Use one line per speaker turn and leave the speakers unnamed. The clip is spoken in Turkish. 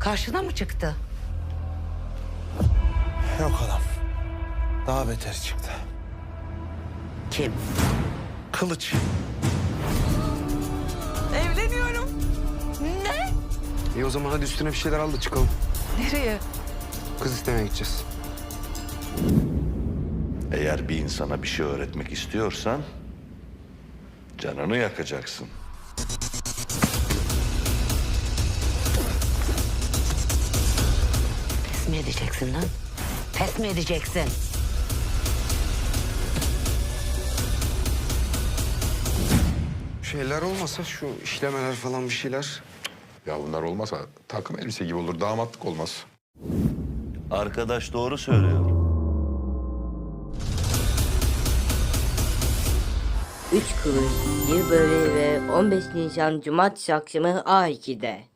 Karşına mı çıktı?
Yok adam. Daha beteri çıktı.
Kim?
Kılıç.
Evleniyorum. Ne?
İyi o zaman hadi üstüne bir şeyler al da çıkalım.
Nereye?
Kız istemeye gideceğiz.
Eğer bir insana bir şey öğretmek istiyorsan canını yakacaksın.
Pes mi edeceksin lan? Pes mi edeceksin?
Şeyler olmasa şu işlemeler falan bir şeyler.
Ya bunlar olmasa takım elbise gibi olur, damatlık olmaz.
Arkadaş doğru söylüyor.
3 Kuruş, 1 Böreği ve 15 Nisan Cumartesi akşamı A2'de.